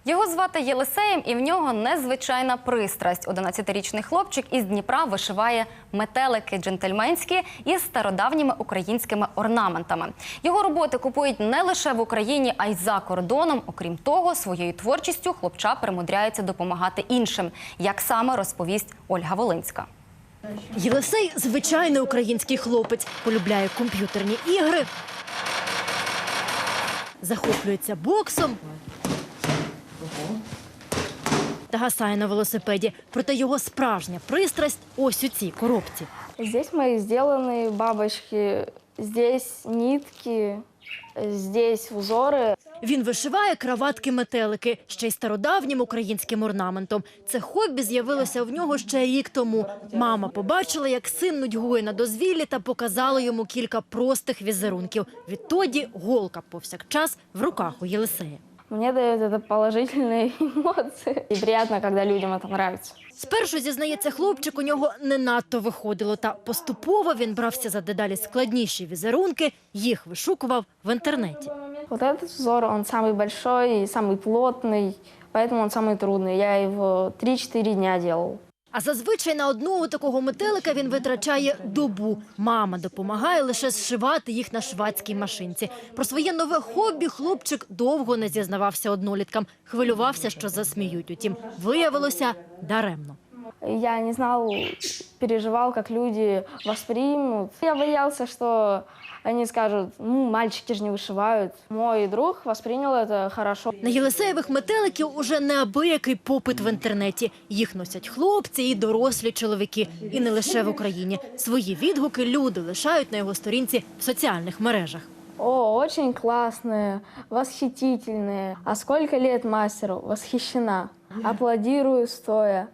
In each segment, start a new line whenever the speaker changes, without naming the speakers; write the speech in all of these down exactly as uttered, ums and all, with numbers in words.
Його звати Єлисеєм, і в нього незвичайна пристрасть. одинадцятирічний хлопчик із Дніпра вишиває метелики джентльменські із стародавніми українськими орнаментами. Його роботи купують не лише в Україні, а й за кордоном. Окрім того, своєю творчістю хлопча примудряється допомагати іншим. Як саме, розповість Ольга Волинська.
Єлисей – звичайний український хлопець. Полюбляє комп'ютерні ігри, захоплюється боксом та гасає на велосипеді. Проте його справжня пристрасть ось у цій коробці.
Здесь мои сделанные бабочки, здесь нитки, здесь узори.
Він вишиває краватки-метелики, ще й стародавнім українським орнаментом. Це хобі з'явилося в нього ще рік тому. Мама побачила, як син нудьгує на дозвіллі, та показала йому кілька простих візерунків. Відтоді голка повсякчас в руках у Єлисея.
Мне дает это положительные эмоции. И приятно, когда людям это нравится.
Спершу, зізнається хлопчик, у нього не надто виходило. Та поступово він брався за дедалі складніші візерунки, їх вишукував в інтернеті.
Вот этот узор, он самый большой и самый плотный, поэтому он самый трудный. Я его три-четыре дня делал.
А зазвичай на одного такого метелика він витрачає добу. Мама допомагає лише зшивати їх на швадській машинці. Про своє нове хобі хлопчик довго не зізнавався одноліткам. Хвилювався, що засміють. Утім, виявилося даремно.
Я не знал, переживал, как люди воспримут. Я боялся, что они скажут, ну, мальчики же не вышивают. Мой друг воспринял это хорошо.
На Єлисеєвих метеликів уже неабиякий попит в інтернеті. Їх носять хлопці і дорослі чоловіки. І не лише в Україні. Свої відгуки люди лишають на його сторінці в соціальних мережах.
О, очень классные, восхитительные. А сколько лет мастеру? Восхищена. Аплодирую стоя.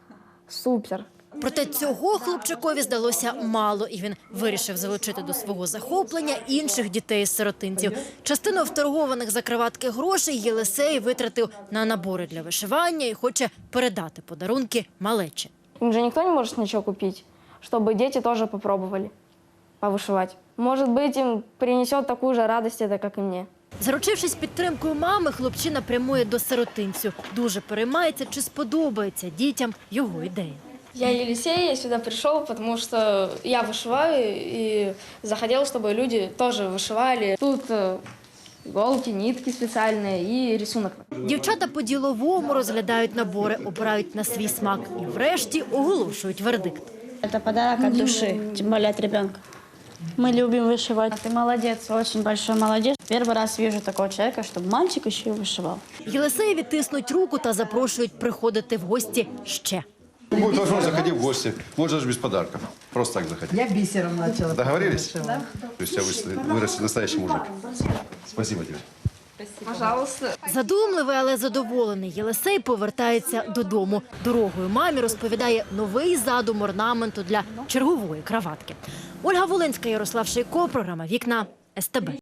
Супер.
Проте цього хлопчикові здалося мало, і він вирішив залучити до свого захоплення інших дітей-сиротинців. Частину вторгованих за краватки грошей Єлисей витратив на набори для вишивання і хоче передати подарунки малечі.
Им же никто не может ничего купить, чтобы дети тоже попробовали повышивать. Может быть, им принесет такую же радость, это, как и мне.
Заручившись підтримкою мами, хлопчина прямує до сиротинцю. Дуже переймається, чи сподобається дітям його ідея.
Я Елисей, я сюда пришел, потому что я вышиваю и захотел, чтобы люди тоже вышивали. Тут иголки, нитки специальные и рисунок.
Дівчата по-діловому розглядають набори, обирають на свій смак і врешті оголошують вердикт.
Это подарок от души, тем более от ребенка. Мы любим вышивать. Ты молодец, очень большой молодец. Первый раз вижу такого человека, чтобы мальчик еще и вышивал.
Єлисеєві тиснуть руку та запрошують приходити в гості ще.
Будет возможность, заходи в гости. Можно же без подарков. Просто так заходи.
Я бисером начала.
Договорились? Да. То есть у тебя вырастет настоящий мужик. Спасибо тебе.
Пожалуйста.
Задумливий, але задоволений Єлисей повертається додому. Дорогою мамі розповідає новий задум орнаменту для чергової краватки. Ольга Волинська, Ярослав Шейко, програма «Вікна», ес те бе.